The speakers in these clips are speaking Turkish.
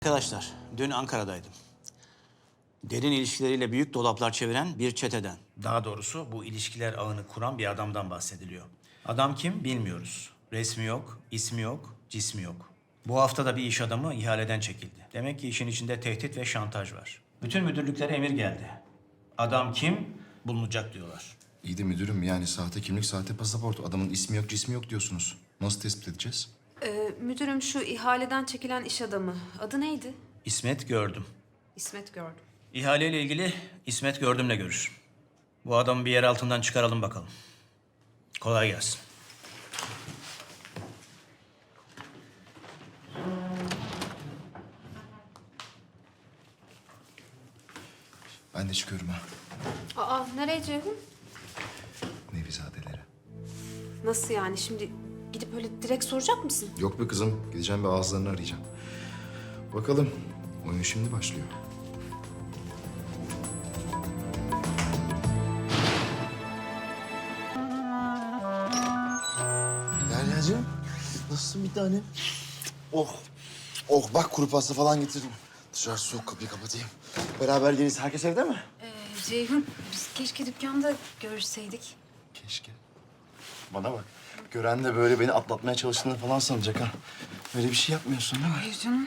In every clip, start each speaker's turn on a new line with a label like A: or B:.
A: Arkadaşlar, dün Ankara'daydım. Derin ilişkileriyle büyük dolaplar çeviren bir çeteden. Daha doğrusu bu ilişkiler ağını kuran bir adamdan bahsediliyor. Adam kim bilmiyoruz. Resmi yok, ismi yok, cismi yok. Bu hafta da bir iş adamı ihaleden çekildi. Demek ki işin içinde tehdit ve şantaj var. Bütün müdürlüklere emir geldi. Adam kim? Bulunacak diyorlar.
B: İyi de müdürüm, yani sahte kimlik, sahte pasaport. Adamın ismi yok, cismi yok diyorsunuz. Nasıl tespit edeceğiz?
C: Müdürüm şu ihaleden çekilen iş adamı. Adı neydi?
A: İsmet Gördüm.
C: İsmet gördüm.
A: İhaleyle ilgili İsmet Gördüm'le görüş. Bu adamı bir yer altından çıkaralım bakalım. Kolay gelsin.
B: Ben de çıkıyorum ha.
C: Aa nereye Ceyhun?
B: Nevizadelere.
C: Nasıl yani şimdi gidip öyle direkt soracak mısın?
B: Yok be kızım, gideceğim ve ağızlarını arayacağım. Bakalım, oyun şimdi başlıyor.
D: Deryacığım, nasılsın bir tanem? Oh, oh bak kuru pasta falan getirdim. Dışarı soğuk, kapıyı kapatayım. Beraber geliriz. Herkes evde mi?
C: Ceyhun biz keşke dükkanda görüşseydik.
D: Keşke. Bana bak, gören de böyle beni atlatmaya çalıştığını falan sanacak ha. Öyle bir şey yapmıyorsun değil mi?
C: Hayır canım.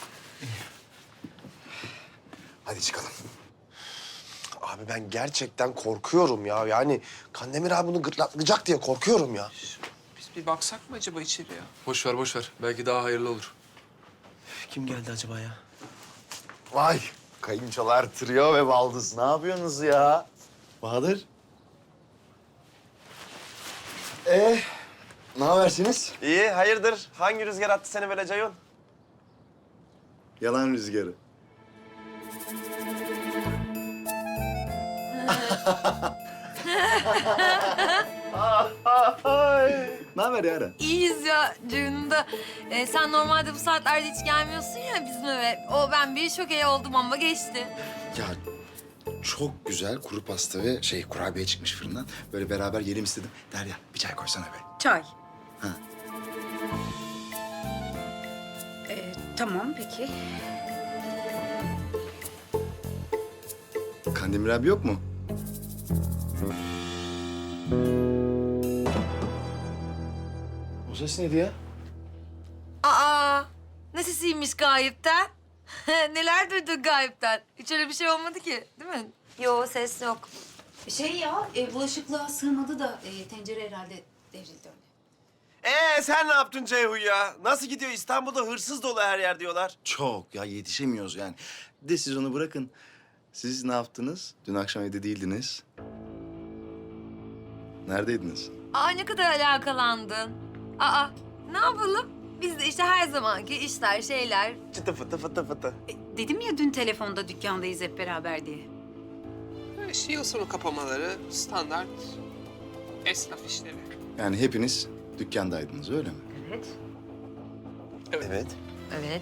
D: Hadi çıkalım. Abi ben gerçekten korkuyorum ya. Yani Kandemir abi bunu gırtlaklayacak diye korkuyorum ya.
E: Biz bir baksak mı acaba içeriye? Boş ver, boş ver. Belki daha hayırlı olur.
D: Kim geldi acaba ya? Vay, kayınçolar trio ve baldız. Ne yapıyorsunuz ya? Bahadır. Ne habersiniz?
F: İyi, hayırdır? Hangi rüzgar attı seni böyle Ceyhun?
D: Yalan rüzgarı. Ne haber Yara?
G: İyiyiz ya Ceyhun'un da. Sen normalde bu saatlerde hiç gelmiyorsun ya bizim eve. Ben bir şokeye oldum ama geçti.
B: Ya çok güzel kuru pasta ve kurabiye çıkmış fırından. Böyle beraber yiyelim istedim. Derya, bir çay koysana be.
H: Çay.
B: Ha.
H: Tamam peki.
B: Kandemir abi yok mu?
D: O ses neydi ya?
G: Aa, ne sesiymiş gayipten? Neler duydun gayipten? Hiç öyle bir şey olmadı ki, değil mi? Yo, ses yok.
C: Bulaşıklığa sığmadı da tencere herhalde devrildi öyle.
F: Sen ne yaptın Ceyhun ya? Nasıl gidiyor? İstanbul'da hırsız dolu her yer diyorlar.
B: Çok ya, yetişemiyoruz yani. Bir de siz onu bırakın. Siz ne yaptınız? Dün akşam evde değildiniz. Neredeydiniz?
G: Aa, ne kadar alakalandın. Aa, ne yapalım? Biz de işte her zamanki işler, şeyler.
F: Çıtı fıtı fıtı fıtı.
H: Dedim ya dün telefonda dükkandayız hep beraber diye.
E: İşte yıl sonu kapamaları, standart esnaf işleri.
B: Yani hepiniz dükkandaydınız, öyle mi?
G: Evet.
F: Evet.
G: Evet.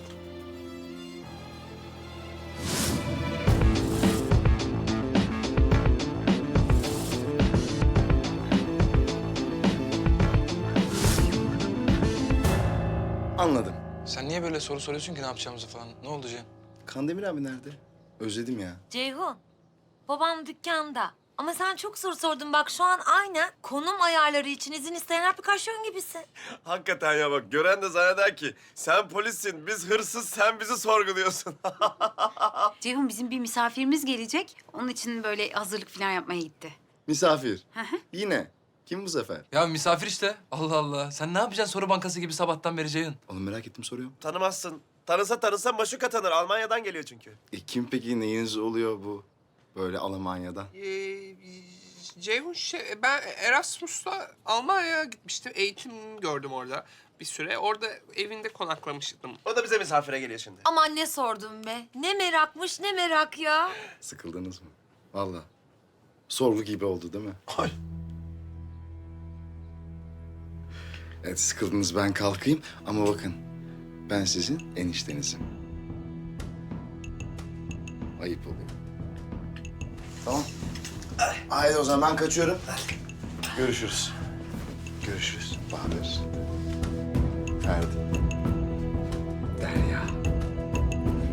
B: Anladım.
I: Sen niye böyle soru soruyorsun ki ne yapacağımızı falan? Ne oldu Cem?
B: Kandemir abi nerede? Özledim ya.
G: Ceyhun, babam dükkanda. Ama sen çok soru sordun. Bak şu an aynen konum ayarları için izin isteyen aplikasyon gibisin.
F: Hakikaten ya bak gören de zanneder ki sen polissin, biz hırsız, sen bizi sorguluyorsun.
H: Ceyhun bizim bir misafirimiz gelecek. Onun için böyle hazırlık falan yapmaya gitti.
B: Misafir. Yine. Kim bu sefer?
I: Ya misafir işte. Allah Allah. Sen ne yapacaksın soru bankası gibi sabahtan beri Ceyhun?
B: Oğlum merak ettim, soruyorum.
F: Tanımazsın. Tanısa maşuka tanır. Almanya'dan geliyor çünkü.
B: Kim peki, neyiniz oluyor bu? Böyle Almanya'dan.
E: Ceyhun ben Erasmus'ta Almanya'ya gitmiştim. Eğitim gördüm orada bir süre. Orada evinde konaklamıştım.
F: O da bize misafire geliyor şimdi.
G: Aman ne sordun be? Ne merakmış, ne merak ya.
B: Sıkıldınız mı? Vallahi. Sorgu gibi oldu değil mi?
F: Ay.
B: Evet, sıkıldınız, ben kalkayım ama bakın, ben sizin eniştenizim. Ayıp oluyor.
D: Tamam. Haydi o zaman ben kaçıyorum. Görüşürüz. Görüşürüz.
B: Bahadır. Ferdi. Derya.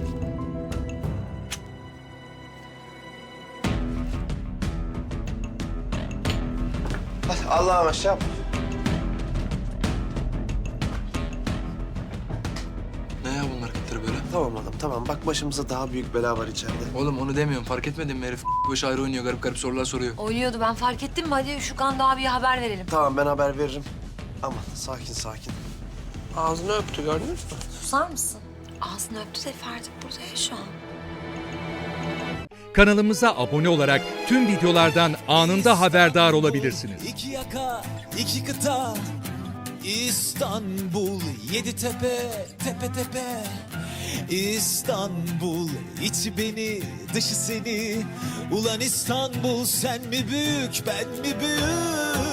J: Allah'a aşağı.
E: Ne ya bunlar hareketleri böyle?
J: Tamam oğlum tamam. Bak başımıza daha büyük bela var içeride.
E: Oğlum onu demiyorum. Fark etmedin mi herif? Başı ayrı oynuyor. Garip garip sorular soruyor.
G: Oynuyordu, ben fark ettim mi? Hadi Şükran da abiye haber verelim.
J: Tamam ben haber veririm. Aman sakin. Ağzını öptü gördünüz mü?
G: Susar mısın? Ağzını öptü de Ferdi burada ya şu an.
K: Kanalımıza abone olarak tüm videolardan anında haberdar olabilirsiniz.
L: İki yaka, iki kıta, İstanbul, yedi tepe, tepe tepe. İstanbul, içi beni, dışı seni. Ulan İstanbul, sen mi büyük, ben mi büyük?